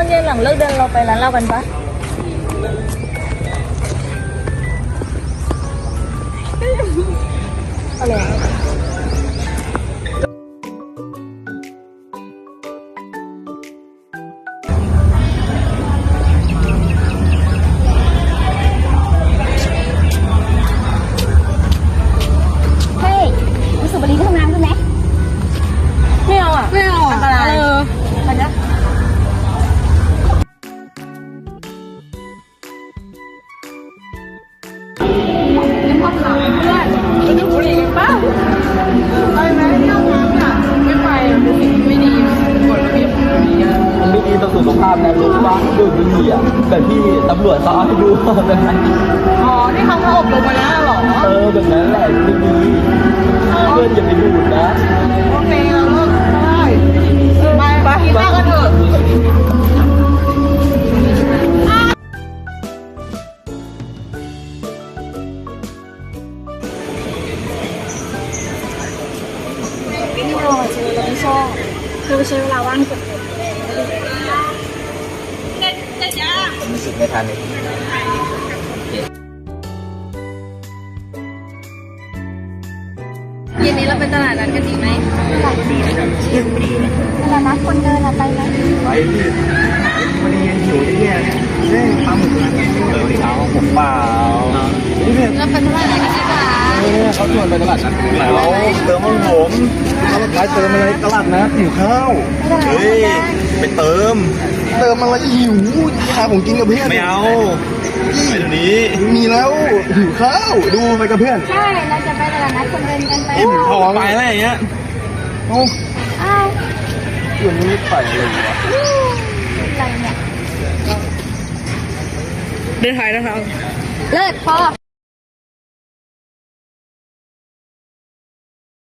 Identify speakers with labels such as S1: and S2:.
S1: อนเย็นหลังเลิกเดินเราไปร้านเหล้ากันปะอะไรอะ
S2: เฮ้ยรู้สึกวันนี้ก็ทำงานใช่ไหม
S1: ไม่เอาอ่ะ
S2: ไม่เอาอ่ะ
S1: อันตรายไปนะยังพอถามเพื่อนจะดูบุหรี่กันป่ะไปไหมที่ห้องน้ำอ่ะไม่ไปเป็นสิ่งที่ไม่ดีกฎระเบียบของโรงเรียน
S3: มันไม่ดีต่อสุขภาพนะรู้ว่าดูดบุหรี่อ่ะแบบที่ตำรวจเขาเอาให้ดูแบบนั้น
S1: อ๋อที่เขาอบรมมาแล้วเหรอ
S3: แบบนั้นแหละไม่ดีเพื่อนอย่าไปดูดนะ
S1: โอเคเราเลิกได้ไปกินข้าวกันเถอะ
S2: ไม่เอาอ่ะเชอเราไม่ชอบคือใช้เวลาว่างเก็บเงิน
S3: ผมรู้สึกไม่ทันเลย
S1: เย็นนี้เราไปตลาดนัดกันดีไหม
S2: เวลานัดคนเดินอะไปไหม
S3: ไปพี่วันนี้ยังหิวได้แย่เฮ้ยปลาหมึกร้านนี้เช้าผมเปล่านี่เนี่ย
S1: เราไปตลาดนัดกันดีกว่า
S3: เขาชวนไปตลาดนัดแล้วเติมมันผมร้านเติมอะไรตลาดนัดหิวข้าวเฮ้ยไปเติมอะไรหิวหาของกินกับเพื่อนไม่เอาไปเดี๋ยวนี้มีแล้วหิวข้าวดูไปกับเพื่อน
S2: ใช่เราจะไปตลาดนัดคนเดินกันไป
S3: อิ่มท้องไปอะไรอย่างเงี้ยเอ้า
S2: อ้าว
S3: เพื่อนไม่ไปเลยวะ
S2: อะไรเนี่ย
S1: เดินถ่ายนะครับ
S2: เลิศพอ